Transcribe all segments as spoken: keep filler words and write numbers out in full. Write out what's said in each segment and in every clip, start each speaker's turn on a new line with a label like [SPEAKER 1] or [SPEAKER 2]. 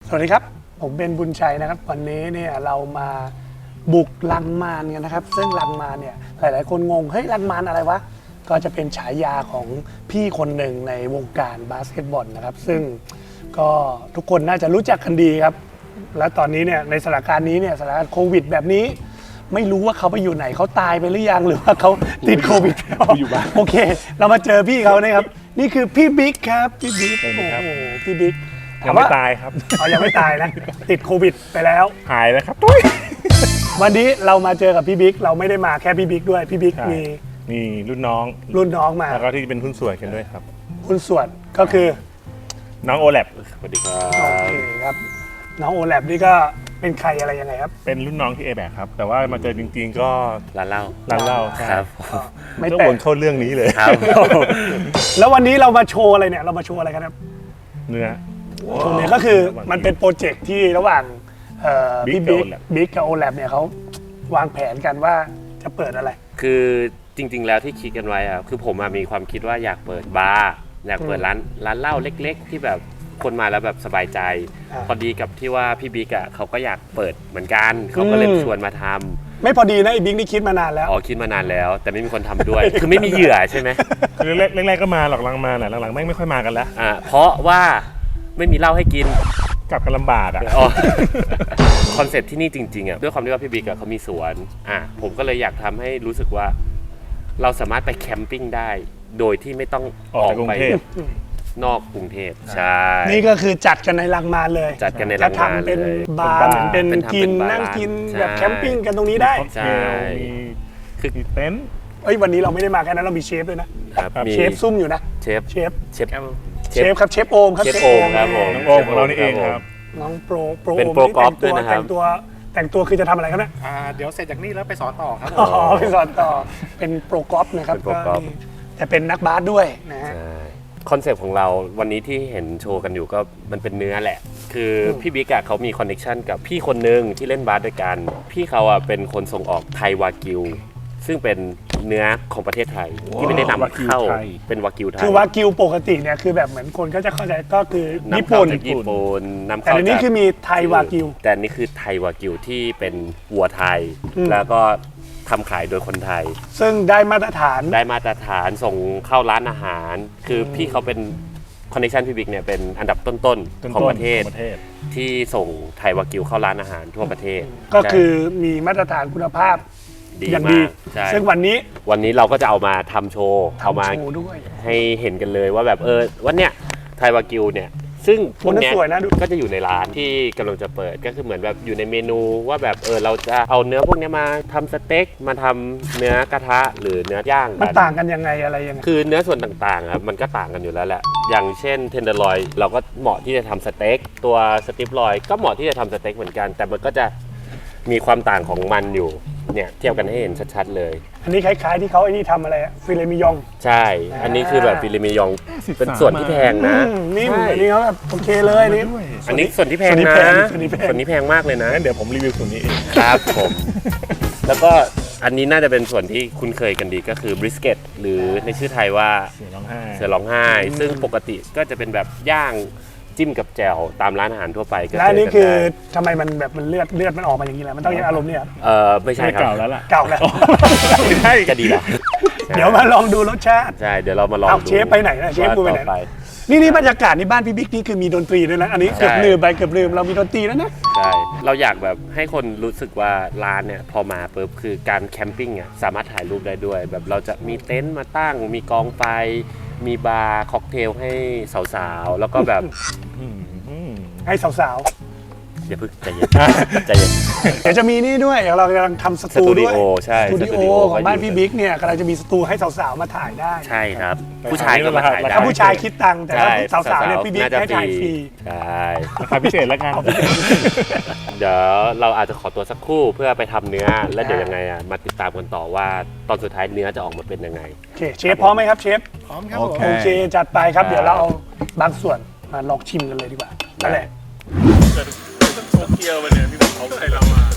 [SPEAKER 1] สวัสดีครับผมเป็นบุญชัยนะครับวันนี้เนี่ยเรามาบุกลังมารกันนะครับซึ่งลังมารเนี่ยหลายๆคนงงเฮ้ยลังมารอะไรวะก็จะเป็นฉายาของพี่คนหนึ่งในวงการบาสเกตบอลนะครับซึ่งก็ทุกคนน่าจะรู้จักกันดีครับและตอนนี้เนี่ยในสถานการณ์นี้เนี่ยสถานการณ์โควิดแบบนี้ไม่รู้ว่าเขาไปอยู่ไหนเขาตายไปหรือยังหรือว่าเขาติดโควิดอยู่บ้างโอเคเรามาเจอพี่เขานะครับนี่คือพี่บิ๊กครับพี่บิ๊กโอ้โหพี่บิ๊ก
[SPEAKER 2] ยังไม่ตายครับ
[SPEAKER 1] อ๋อยังไม่ตายนะติดโควิดไปแล้ว
[SPEAKER 2] หายแล้วครับตุ้ย
[SPEAKER 1] วันนี้เรามาเจอกับพี่บิ๊กเราไม่ได้มาแค่พี่บิ๊กด้วยพี่บิ๊กมี
[SPEAKER 2] มีรุ่นน้อง
[SPEAKER 1] รุ่นน้องมา
[SPEAKER 2] แล้วก็ที่เป็นหุ้นส่วนกันด้วยครับ
[SPEAKER 1] หุ้นส่วนก็คือ
[SPEAKER 2] น้องโอแลบสวัสดีครับ
[SPEAKER 1] โอเคครับน้องโอแลบนี่ก็เป็นใครอะไรยังไงครับ
[SPEAKER 2] เป็นรุ่นน้องที่เอแบกครับแต่ว่ามาเจอจริงๆก็
[SPEAKER 3] ร้านเหล้า
[SPEAKER 2] ร้านเหล้า
[SPEAKER 3] ครับ
[SPEAKER 1] ไม่
[SPEAKER 2] แปลกเข้าเรื่องนี้เลย
[SPEAKER 3] ครับ
[SPEAKER 1] แล้ววันนี้เรามาโชว์อะไรเนี่ยเรามาโชว์อะไรกันครับ
[SPEAKER 2] เนื้อ
[SPEAKER 1] โชว์เนี่ยก็คือมันเป็นโปรเจกต์ที่ระหว่างพี่บิ๊กบิ๊กกับโอแลบเนี่ยเขาวางแผนกันว่าจะเปิดอะไร
[SPEAKER 3] คือจริงๆแล้วที่คิดกันไว้อะคือผมมีความคิดว่าอยากเปิดบาร์อยากเปิดร้านร้านเหล้าเล็กๆที่แบบคนมาแล้วแบบสบายใจพอดีกับที่ว่าพี่บิ๊กอ่ะเขาก็อยากเปิดเหมือนกันเขาก็เลยชวนมาทำ
[SPEAKER 1] ไม่พอดีนะไอ้บิ๊กนี่คิดมานานแล้ว
[SPEAKER 3] อ๋อคิดมานานแล้วแต่ไม่มีคนทำด้วยคือไม่มีเหยื่อใช่ไหม
[SPEAKER 2] คือแรกๆก็มาหลังๆมาหลังๆไม่ไม่ค่อยมากันแล้ว
[SPEAKER 3] อ่าเพราะว่าไม่มีเหล้าให้กิน
[SPEAKER 2] กลับกันลำบากอ่ะ
[SPEAKER 3] คอนเซ็ปต์ที่นี่จริงๆอ่ะด้วยความที่ว่าพี่บิ๊กอ่ะเขามีสวนอ่ะผมก็เลยอยากทำให้รู้สึกว่าเราสามารถไปแคมปิ้งได้โดยที่ไม่ต้อง
[SPEAKER 2] ออกไป
[SPEAKER 3] นอกกรุงเทพใช่
[SPEAKER 1] นี่ก็คือจัดกันในลังมารเลย
[SPEAKER 3] จัดกันในลังมาร
[SPEAKER 1] เลยจะทำเป็นบาร์เหมือนเป็นกินนั่งกินแบบแคมปิ้งกันตรงนี้ได้
[SPEAKER 2] ใช่คือเต็นท์
[SPEAKER 1] เอ้ยวันนี้เราไม่ได้มาแค่นั้นเรามีเชฟด้วยนะเชฟซุ่มอยู่นะ
[SPEAKER 3] เชฟ
[SPEAKER 1] เชฟ
[SPEAKER 3] เชฟ
[SPEAKER 1] เชฟครับเชฟโอมครับ
[SPEAKER 3] เชฟโอมครับผม
[SPEAKER 2] น้องโอมของเรานี่เองครับ
[SPEAKER 1] น้องโปรโปร
[SPEAKER 3] เป็นโปรกอล์ฟด้วยนะครับ
[SPEAKER 1] แต่งตัวแต่งตัวคือจะทำอะไรครับเนี่ย
[SPEAKER 4] เดี๋ยวเสร็จจากนี่แล้วไปสอนต่อครับ
[SPEAKER 1] อ๋อไปสอนต่อเป็นโปรกอล์ฟนะครับแต่เป็นนักบาสด้วยนะฮะ
[SPEAKER 3] คอนเซปต์ของเราวันนี้ที่เห็นโชว์กันอยู่ก็มันเป็นเนื้อแหละคือพี่บิ๊กอะเขามีคอนเนคชั่นกับพี่คนนึงที่เล่นบาสด้วยกันพี่เขาอะเป็นคนส่งออกไทยวากิวซึ่งเป็นเนื้อของประเทศไทยที่ไม่ได้นำเข้าเป็นวากิวไทย
[SPEAKER 1] คือวากิวปกติเนี่ยคือแบบเหมือนคนก็จะเข้าใจก็คือญี่
[SPEAKER 3] ปุ่
[SPEAKER 1] น
[SPEAKER 3] ญี่ปุ่นนำ
[SPEAKER 1] เข้าแต่อันนี้คือมีไทยวากิว
[SPEAKER 3] แต่นี่คือไทยวากิวที่เป็นวัวไทยแล้วก็ทำขายโดยคนไทย
[SPEAKER 1] ซึ่งได้มาตรฐาน
[SPEAKER 3] ได้มาตรฐานส่งเข้าร้านอาหารคือพี่เขาเป็นคอนเนคชั่นพี่บิ๊กเนี่ยเป็นอันดับต้นๆของประเทศที่ส่งไทยวากิวเข้าร้านอาหารทั่วประเทศ
[SPEAKER 1] ก็คือมีมาตรฐานคุณภาพอย่างดีซึ่งวันนี้
[SPEAKER 3] วันนี้เราก็จะเอามาทำโชว์เอามาให้เห็นกันเลยว่าแบบเออวันเนี้ยไทยวากิวเนี่ยซึ่งพวกนี้ก็จะอยู่ในร้านที่กำลังจะเปิดก็คือเหมือนแบบอยู่ในเมนูว่าแบบเออเราจะเอาเนื้อพวกนี้มาทำสเต็กมาทำเนื้อกระทะหรือเนื้อย่าง
[SPEAKER 1] มันต่างกันยังไงอะไรยังไง
[SPEAKER 3] คือเนื้อส่วนต่างๆครับมันก็ต่างกันอยู่แล้วแหละอย่างเช่นเทนเดอร์ลอยเราก็เหมาะที่จะทำสเต็กตัวสติปลอยก็เหมาะที่จะทำสเต็กเหมือนกันแต่มันก็จะมีความต่างของมันอยู่เนี่ยเทียบกันให้เห็นชัดๆเลย
[SPEAKER 1] อันนี้คล้ายๆที่เขาไอ้นี่ทำอะไรฟิเลมิยอง
[SPEAKER 3] ใช่อันนี้คือแบบฟิเลมิยองเป็นส่วนที่แพงนะ
[SPEAKER 1] นี่อันนี้เขาแบบโอเคเลยนี่
[SPEAKER 3] อันนี้ส่วนที่แพงนะส่วนนี้แพงมากเลยนะ
[SPEAKER 2] เดี๋ยวผมรีวิวส่วนนี้เอง
[SPEAKER 3] ครับผมแล้วก็อันนี้น่าจะเป็นส่วนที่คุ้นเคยกันดีก็คือบริสเกตหรือในชื่อไทยว่า
[SPEAKER 2] เสือร้องไห้
[SPEAKER 3] เสือร้องไห้ซึ่งปกติก็จะเป็นแบบย่างจิ้มกับแจ่วตามร้านอาหารทั่วไปก็
[SPEAKER 1] แล้วอันนี้คือทำไมมันแบบมันเลือดเลือดมันออกมาอย่างนี้แหละมันต้องยังอารมณ์เนี่ย
[SPEAKER 3] เออไม่ใช่ครับ
[SPEAKER 2] เก่าแล้วล่ะ
[SPEAKER 1] เก่าแล้ว
[SPEAKER 3] ใช่ก็ดีแล้ว
[SPEAKER 1] เดี๋ยวมาลองดูรสชาติ
[SPEAKER 3] ใช่เดี๋ยวเรามาลองดู
[SPEAKER 1] เชฟไปไหนนะเชฟกูไปไหนนี่นี่บรรยากาศในบ้านพี่บิ๊กนี่คือมีดนตรีด้วยนะอันนี้เกือบลืมไปเกือบลืมเรามีดนตรีแล้วนะ
[SPEAKER 3] ใช่เราอยากแบบให้คนรู้สึกว่าร้านเนี่ยพอมาปุ๊บคือการแคมปิ้งอ่ะสามารถถ่ายรูปได้ด้วยแบบเราจะมีเต็นท์มาตั้งมีกองไฟมีบาร์ค็อกเทลให้สาวๆแล้วก็แบบ
[SPEAKER 1] ให้สาว
[SPEAKER 3] ๆอย่าพึ่งใจเย็นใจเย็น
[SPEAKER 1] เดี๋ยวจะมีนี่ด้วยเรากำลังทำสตูด้วย
[SPEAKER 3] ใช่
[SPEAKER 1] สตูดิโอของบ้านพี่บิ๊กเนี่ยกำลังจะมีสตูให้สาวๆมาถ่ายได้
[SPEAKER 3] ใช่ครับผู้ชายก็มาถ่ายได้
[SPEAKER 1] ถ้าผู้ชายคิดตังค์แต่ถ้าสาวๆเนี่ยพี่บิ๊กให้ถ่ายฟรี
[SPEAKER 3] ใช่
[SPEAKER 2] ราคาพิเศษแล้วกัน
[SPEAKER 3] เดี๋ยวเราอาจจะขอตัวสักครู่เพื่อไปทำเนื้อแล้วเดี๋ยวยังไงอ่ะมาติดตามกันต่อว่าตอนสุดท้ายเนื้อจะออกมาเป็นยังไง
[SPEAKER 1] โอเคเชฟพร้อมไหมครับเชฟ
[SPEAKER 4] พร้อมครับ
[SPEAKER 1] โอเคจัดไปครับเดี๋ยวเราเอาบางส่วนมาลองชิมกันเลยดีกว่านั่นแหละ
[SPEAKER 2] โตเกียวไปเนี่ยพี่บอกเขาใส่เรามา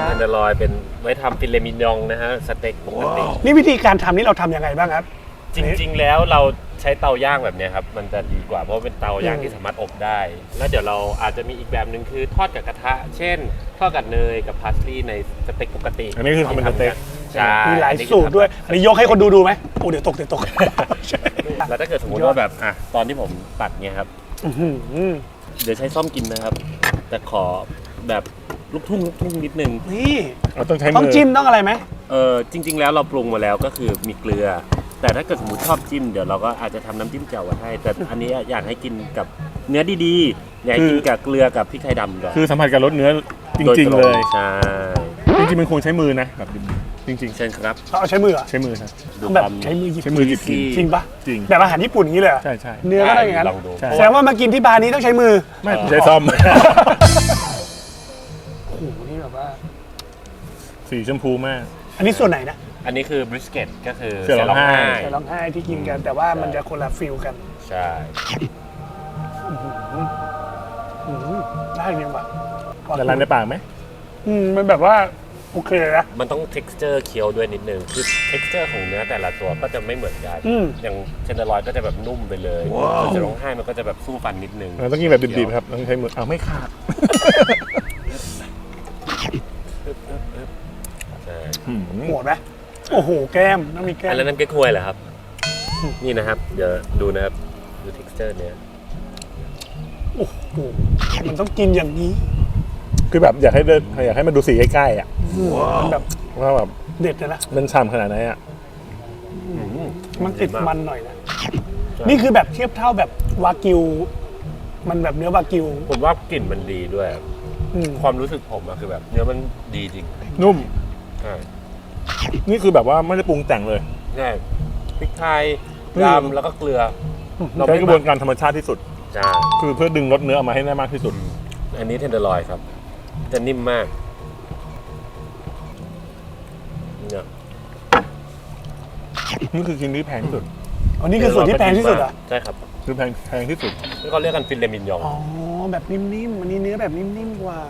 [SPEAKER 3] เทนเดอร์ลอยเป็นไว้ทำฟิเลมิญองนะฮะสเต็กปกติ
[SPEAKER 1] นี่วิธีการทำนี่เราทำยังไงบ้างครับ
[SPEAKER 3] จริง ๆ แล้วเราใช้เตาย่างแบบเนี้ยครับมันจะดีกว่าเพราะว่าเป็นเตาย่างที่สามารถอบได้ แล้วเดี๋ยวเราอาจจะมีอีกแบบหนึ่งคือทอดกับกระทะ เช่น ทอดกับเนยกับพาสลีย์ในสเต็กปกติ
[SPEAKER 2] อันนี้คือทำเป็นสเต็ก
[SPEAKER 3] ใช่
[SPEAKER 1] มีหลายสูตรด้วยอันนี้ยกให้คนดูดูไหมโอ้เดี๋ยวตกเดี๋ยวตก
[SPEAKER 3] แล้วถ้าเกิดสมมติว่าแบบอ่ะตอนที่ผมตัดเนี่ยครับ
[SPEAKER 1] อื้อหือ
[SPEAKER 3] เดี๋ยวใช้ซ่อมกินนะครับ แต่ขอแบบลูกทุ่งลูกทุ่งนิดนึง
[SPEAKER 1] นี่
[SPEAKER 2] เราต้องใช้มื
[SPEAKER 1] ต้องจิ้มต้องอะไรไหม
[SPEAKER 3] เออจริง ๆ แล้วเราปรุงมาแล้วก็คือมีเกลือ แต่ถ้าเกิดสมมติชอบจิ้มเดี๋ยวเราก็อาจจะทำน้ำจิ้มแจ่วไว้ให้ แต่อันนี้อยากให้กินกับเนื้อดีๆอยากให้กินกับเกลือกับพริกไทยดำก่อน
[SPEAKER 2] คือสัมผัสกับรสเนื้อจริง ๆ เลย
[SPEAKER 3] ใช่
[SPEAKER 2] จริงๆมันควรใช้มือนะแบบจริง
[SPEAKER 3] เช่นครับ
[SPEAKER 1] เอาใช้มือเหรอ
[SPEAKER 2] ๆ ใช้มือครับ
[SPEAKER 3] ดู
[SPEAKER 1] แบบ
[SPEAKER 3] ความ
[SPEAKER 1] ใช้มือหยิบ
[SPEAKER 2] ใช้มือหยิบกิน
[SPEAKER 1] จริงปะ
[SPEAKER 2] จริง
[SPEAKER 1] แบบอาหารญี่ปุ่นอย่างนี้เลยเหรอ
[SPEAKER 2] ใช่ใช่
[SPEAKER 1] เนื้อก็ได้อย่างนั้น
[SPEAKER 3] ลองดู
[SPEAKER 2] ใช่
[SPEAKER 1] แสดงว่ามากินที่บาร์นี้ต้องใช้มือ
[SPEAKER 2] ไม่ใช้ซ่อม
[SPEAKER 1] โอ้โหนี่แบบว่า
[SPEAKER 2] สีชมพูมาก
[SPEAKER 1] อันนี้ส่วนไหนนะ
[SPEAKER 3] อันนี้คือบริสเกตก็คือ
[SPEAKER 2] เสือร้องไห้
[SPEAKER 1] แต่ร้องไห้ที่กินกัน แต่ว่ามันจะคนละฟิลกัน
[SPEAKER 3] ใช่
[SPEAKER 1] อื้อหือได้เนี่ยว่ะ
[SPEAKER 2] ละลายในปากไหม
[SPEAKER 1] อืมมันแบบว่าโอเคนะ
[SPEAKER 3] มันต้อง texture เคี้ยวด้วยนิดนึงคือ texture ของเนื้อแต่ละตัวก็จะไม่เหมือนกัน
[SPEAKER 1] อืม
[SPEAKER 3] อย่างเทนเดอร์ลอยก็จะแบบนุ่มไปเลยส่วนเสือร้องไห้มันก็จะแบบสู้ฟันนิดนึง
[SPEAKER 2] เราต้องกินแบบดิบๆครับต้องใช้มืออ้าวไม่ขาด
[SPEAKER 3] ใช่
[SPEAKER 2] อืม
[SPEAKER 1] โหดไหมโอ้โหแก้มต้องมีแก้ม
[SPEAKER 3] อันนั้นน้ำเก๊กฮวยเหรอครับ นี่นะครับ เดี๋ยวดูนะครับ ดู texture เนี้ย
[SPEAKER 1] โอ้โหมันต้องกินอย่างนี้
[SPEAKER 2] คือแบบอยากให้เดินอยากให้มันดูสีใกล้ๆอ่ะ
[SPEAKER 1] มันแบบ
[SPEAKER 2] ว่าแบบ
[SPEAKER 1] เด็ดเลยนะ
[SPEAKER 2] มันฉ่ำขนาดไหนอ่ะ
[SPEAKER 1] มันติดมันหน่อยนะนี่คือแบบเทียบเท่าแบบวากิว มันแบบเนื้อวากิว
[SPEAKER 3] ผมว่ากลิ่นมันดีด้วย
[SPEAKER 1] อืม
[SPEAKER 3] ความรู้สึกผมอะคือแบบเนื้อมันดีจริง
[SPEAKER 2] นุ่ม
[SPEAKER 3] ใช่
[SPEAKER 2] นี่คือแบบว่าไม่ได้ปรุงแต่งเลย
[SPEAKER 3] ใช่พริกไทย
[SPEAKER 2] อืม
[SPEAKER 3] ดำแล้วก็เกลือเรา
[SPEAKER 2] ใช้
[SPEAKER 3] ไม่
[SPEAKER 2] กระบวนการธรรมชาติที่สุด
[SPEAKER 3] ใช่
[SPEAKER 2] คือเพื่อดึงรสเนื้อออกมาให้ได้มากที่สุด
[SPEAKER 3] อันนี้เทนเดอร์ลอยครับ จะนิ่มมากเนี่ย
[SPEAKER 2] นี่คือชิ้นที่แพงที่สุด
[SPEAKER 1] อันนี้คือส่วนที่แพงที่สุดเหรอ
[SPEAKER 3] ใช่ครับ
[SPEAKER 2] คือแพงแพงที่สุด
[SPEAKER 3] ที่เขาเรียกกันฟิเลมิญยอง
[SPEAKER 1] อ๋อ แบบนิ่มๆ อันนี้เนื้อแบบนิ่มๆ กว่า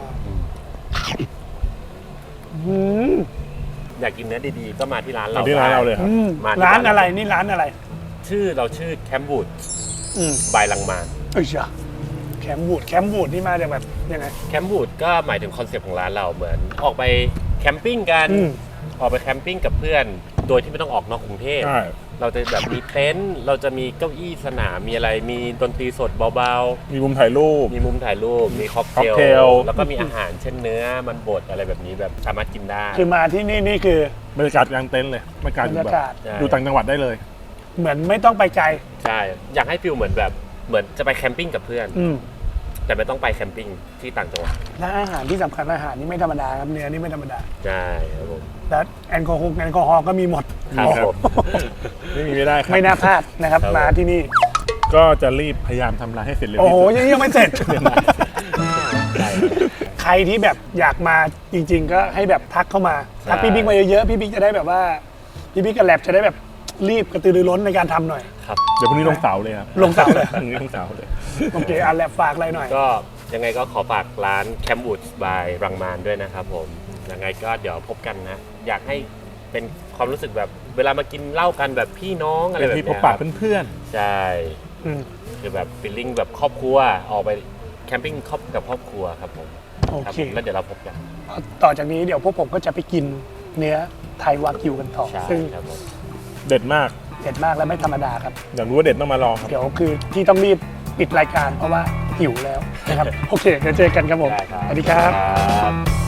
[SPEAKER 1] อืม
[SPEAKER 3] อยากกินเนื้อดีๆ ก็มาที่ร้านเรา
[SPEAKER 2] มาที่ร้านเราเลยครับ
[SPEAKER 1] อืม
[SPEAKER 3] มาที่
[SPEAKER 1] ร้านอะไร นี่ร้านอะไร
[SPEAKER 3] ชื่อเราชื่อแคมบูด
[SPEAKER 1] อืม
[SPEAKER 3] บายลังมาน
[SPEAKER 1] เอ้ยจ้ะแคมบูด แคมบูดนี่มาจากแบบยังไง
[SPEAKER 3] แคมบูดก็หมายถึงคอนเซปต์ของร้านเราเหมือน ออกไปแคมปิ้งกัน
[SPEAKER 1] อืม
[SPEAKER 3] ออกไปแคมปิ้งกับเพื่อน โดยที่ไม่ต้องออกนอกกรุงเทพ
[SPEAKER 2] ใช่
[SPEAKER 3] เราจะแบบมีเต็นท์เราจะมีเก้าอี้สนามมีอะไรมีดนตรีสดเบา
[SPEAKER 2] มีมุมถ่ายรูป
[SPEAKER 3] ๆ มีมุมถ่ายรูป มีค็อกเท
[SPEAKER 2] ค็อกเท
[SPEAKER 3] ล
[SPEAKER 2] ล
[SPEAKER 3] แล้วก็มีอาหารเช่นเนื้อมันบดอะไรแบบนี้แบบสามารถกินได้
[SPEAKER 1] คือมาที่นี่นี่คือบ
[SPEAKER 2] รรยากาศกลางเต็นท์เลยบรรยากาศ
[SPEAKER 1] บร
[SPEAKER 2] อ
[SPEAKER 1] ร
[SPEAKER 2] ยู่
[SPEAKER 1] ยา
[SPEAKER 2] แบบ
[SPEAKER 1] กาศ
[SPEAKER 3] ใช่
[SPEAKER 2] อยู่ต่างจังหวัดได้เลย
[SPEAKER 1] เหมือนไม่ต้องไปไกล
[SPEAKER 3] ใช่อยากให้ฟิลเหมือนแบบเหมือนจะไปแคมปิ้งกับเพื่อน
[SPEAKER 1] อืม
[SPEAKER 3] แต่ไม่ต้องไปแคมปิ้งที่ต่างจังหวัด
[SPEAKER 1] และอาหารที่สำคัญอาหารนี่ไม่ธรรมดาครับ เนื้อนี่ไม่ธรรมดา
[SPEAKER 3] ใช่ครับผม
[SPEAKER 1] และแอลกอฮอล์แอลกอฮอล์ก็มีหมด
[SPEAKER 3] ครับผม
[SPEAKER 2] ไม่มีไม่ได้ครับ
[SPEAKER 1] ไม่น่าพลาดนะครับ
[SPEAKER 3] ครับ
[SPEAKER 1] มาที่นี่
[SPEAKER 2] ก็จะรีบพยายามทำร้านให้เสร็จเร็ว
[SPEAKER 1] โอ้โห
[SPEAKER 2] ที่สุด
[SPEAKER 1] ยังยังไม่เสร็จ
[SPEAKER 3] ใช่
[SPEAKER 1] ใครที่แบบอยากมาจริง ๆ ก็ให้แบบทักเข้ามา
[SPEAKER 3] ใช่
[SPEAKER 1] ทักพี่บิ๊กมาเยอะๆ พี่บิ๊กจะได้แบบว่า พี่บิ๊กกับแลบจะได้แบบรีบกระตือรือร้นในการทำหน่อย
[SPEAKER 3] ครับ
[SPEAKER 2] เดี๋ยวพรุ่งนี้ลงเสาเลยครับ
[SPEAKER 1] ลงเสาเลย
[SPEAKER 2] พรุ่งนี้ลงเสาเลย
[SPEAKER 1] โอเคอันแลบฝากอะไรหน่อย
[SPEAKER 3] ก็ยังไงก็ขอฝากร้านแคมบูดบายรังมานด้วยนะครับผมยังไงก็เดี๋ยวพบกันนะ อยากให้เป็นความรู้สึกแบบเวลามากินเหล้ากันแบบพี่น้องอะไร
[SPEAKER 2] เป็น
[SPEAKER 3] แบบ
[SPEAKER 2] ที่
[SPEAKER 3] เนี้
[SPEAKER 2] พบ
[SPEAKER 3] ย
[SPEAKER 2] ปะ
[SPEAKER 3] ครับ
[SPEAKER 2] เพื่อน
[SPEAKER 3] ใช่
[SPEAKER 1] อืม
[SPEAKER 3] คือแบบฟีลลิ่งแบบครอบครัวออกไปแคมปิ้งครอบกับครอบครัวครับผม
[SPEAKER 1] โอ
[SPEAKER 3] ครับ
[SPEAKER 1] เค
[SPEAKER 3] ผมแล้วเดี๋ยวเราพบกัน
[SPEAKER 1] ต่อจากนี้เดี๋ยวพวกผมก็จะไปกินเนื้อไทยวากิวกันต่อ
[SPEAKER 3] ใช่
[SPEAKER 1] ซึ่ง
[SPEAKER 3] ครับผม
[SPEAKER 2] ๆ เด็ดมาก
[SPEAKER 1] เด็ดมากและไม่ธรรมดาครับ
[SPEAKER 2] อยากรู้ว่าเด็ดต้องมาลองครับ
[SPEAKER 1] เดี๋ยวคือที่ต้องรีบปิดรายการเพราะว่าหิวแล้วนะครับ โอเคเดี๋ยวเจอกันครับผม
[SPEAKER 3] ได้ครับ
[SPEAKER 1] สวัสดีครับ
[SPEAKER 3] ครับ